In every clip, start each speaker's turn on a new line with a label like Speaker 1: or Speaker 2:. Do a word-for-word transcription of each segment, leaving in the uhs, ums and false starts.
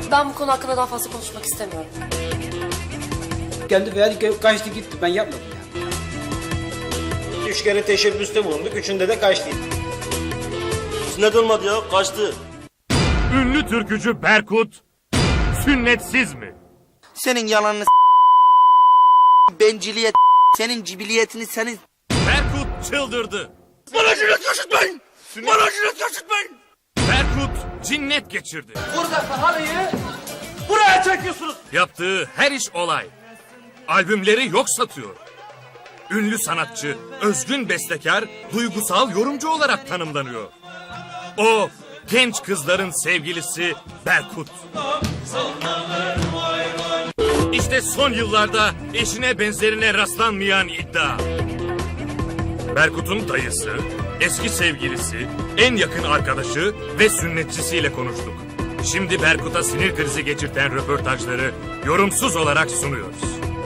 Speaker 1: Ben bu konu hakkında daha fazla konuşmak istemiyorum.
Speaker 2: Kendi verdi kaçtı gitti, ben yapmadım ya.
Speaker 3: Üç kere teşebbüste bulunduk, üçünde de kaçtı.
Speaker 4: Sünnet olmadı ya, kaçtı.
Speaker 5: Ünlü türkücü Berkut sünnetsiz mi?
Speaker 6: Senin yalanını benciliyet, senin cibiliyetini, senin...
Speaker 5: Berkut çıldırdı.
Speaker 4: Bana sünnet yaşatmayın! Bana sünnet yaşatmayın!
Speaker 5: Berkut cinnet geçirdi.
Speaker 4: Buradaki halıyı buraya çekiyorsunuz.
Speaker 5: Yaptığı her iş olay. Albümleri yok satıyor. Ünlü sanatçı, özgün bestekar, duygusal yorumcu olarak tanımlanıyor. O genç kızların sevgilisi Berkut. İşte son yıllarda eşine benzerine rastlanmayan iddia. Berkut'un dayısı, eski sevgilisi, en yakın arkadaşı ve sünnetçisiyle konuştuk. Şimdi Berkut'a sinir krizi geçirten röportajları yorumsuz olarak sunuyoruz.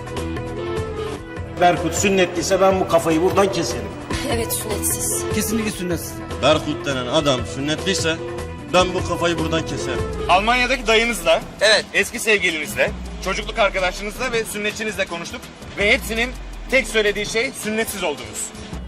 Speaker 3: Berkut sünnetliyse ben bu kafayı buradan keserim.
Speaker 1: Evet, sünnetsiz.
Speaker 2: Kesinlikle sünnetsiz.
Speaker 4: Berkut denen adam sünnetliyse ben bu kafayı buradan keserim.
Speaker 7: Almanya'daki dayınızla,
Speaker 6: Evet.
Speaker 7: eski sevgilinizle, çocukluk arkadaşınızla ve sünnetçinizle konuştuk. Ve hepsinin tek söylediği şey sünnetsiz olduğunuz.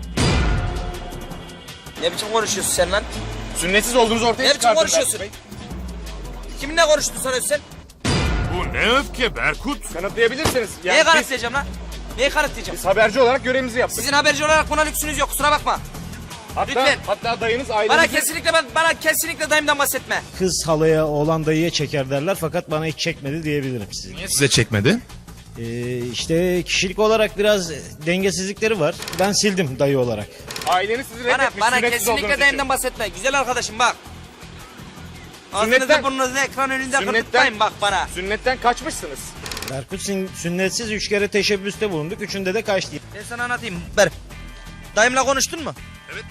Speaker 6: Ne biçim konuşuyorsun sen lan?
Speaker 7: Sünnetsiz olduğunuzu ortaya
Speaker 6: Ne biçim
Speaker 7: çıkardın
Speaker 6: konuşuyorsun?
Speaker 7: Berkut Bey.
Speaker 6: Kiminle konuştun sen Özsel?
Speaker 5: Bu ne öfke Berkut?
Speaker 7: Kanıtlayabilirsiniz. Yani
Speaker 6: Neye
Speaker 7: biz,
Speaker 6: kanıtlayacağım lan? Neyi kanıtlayacağım?
Speaker 7: biz haberci olarak görevimizi yaptık.
Speaker 6: Sizin haberci olarak buna lüksünüz yok, kusura bakma.
Speaker 7: hatta,
Speaker 6: lütfen.
Speaker 7: hatta dayınız
Speaker 6: Bana
Speaker 7: ailenizin...
Speaker 6: kesinlikle ben, bana kesinlikle dayımdan bahsetme.
Speaker 8: Kız halaya, oğlan dayıya çeker derler fakat bana hiç çekmedi diyebilirim size.
Speaker 5: Niye size çekmedi?
Speaker 8: Ee, işte kişilik olarak biraz dengesizlikleri var. Ben sildim dayı olarak.
Speaker 7: Aileniz sizi
Speaker 6: Bana,
Speaker 7: reddetmiş,
Speaker 6: bana
Speaker 7: sünnetsiz
Speaker 6: kesinlikle
Speaker 7: olduğunuz
Speaker 6: dayımdan
Speaker 7: için.
Speaker 6: bahsetme. Güzel arkadaşım bak. Ağzınızı
Speaker 7: Sünnetten-
Speaker 6: burnunuzu ekran önünde
Speaker 7: Sünnetten-
Speaker 6: kırpıtmayın bak bana.
Speaker 7: Sünnetten kaçmışsınız.
Speaker 8: Berkut sün- sünnetsiz üç kere teşebbüste bulunduk. Üçünde de kaçtı.
Speaker 6: Ben sana anlatayım. Ver. Dayımla konuştun mu?